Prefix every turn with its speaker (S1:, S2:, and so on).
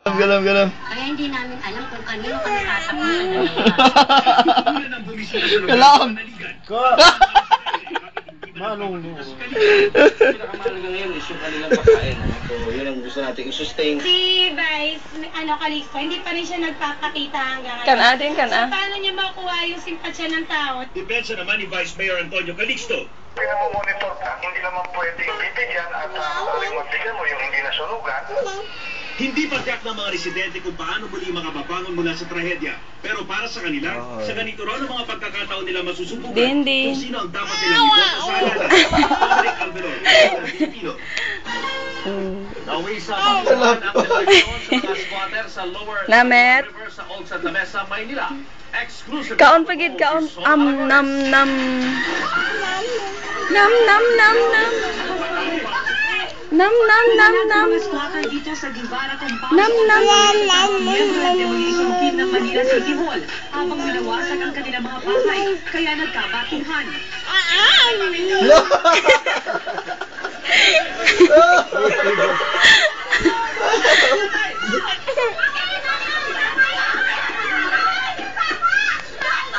S1: Galam.
S2: Kaya hindi namin alam kung kanino kami sasabihin.
S1: Galam!
S3: Manong no. Pinakamahalaga ngayon is yung kanilang pagkain. So, yun ang gusto natin i-sustain.
S4: Si Vice, Calixto, hindi pa rin siya nagpapakita hanggang ngayon.
S5: Kana din, kana.
S4: So, paano niya makuha yung simpatsya ng tao?
S6: Depensa naman ni Vice Mayor Antonio Calixto.
S7: Pinamomonitor ka, hindi naman pwedeng bibigyan at maaaring magbigyan mo yung hindi nasunugan.
S6: Hindi pa tiyak ng mga residente kung paano muli makababangon mula sa trahedya. Pero para sa kanila, sa ganito raw ng mga pagkakataon nila masusubukan
S5: Dindi.
S6: kung sino ang dapat nilang iboto sa halalan. Patrick Alvarez, Filipino. Nawi sa pagkakuhan ang eleksyon sa mga squatter sa Lower
S5: Namet.
S6: River sa Old Santa Mesa, Maynila. Exclusive.
S5: Kaon pagid kaon nam. Nam.
S2: Squatter dito sa Guevara Compound.
S5: Nam.
S2: Isumkin ng Manila City Hall habang minawasak ang kanilang mga bahay, kaya nagkabatuhan.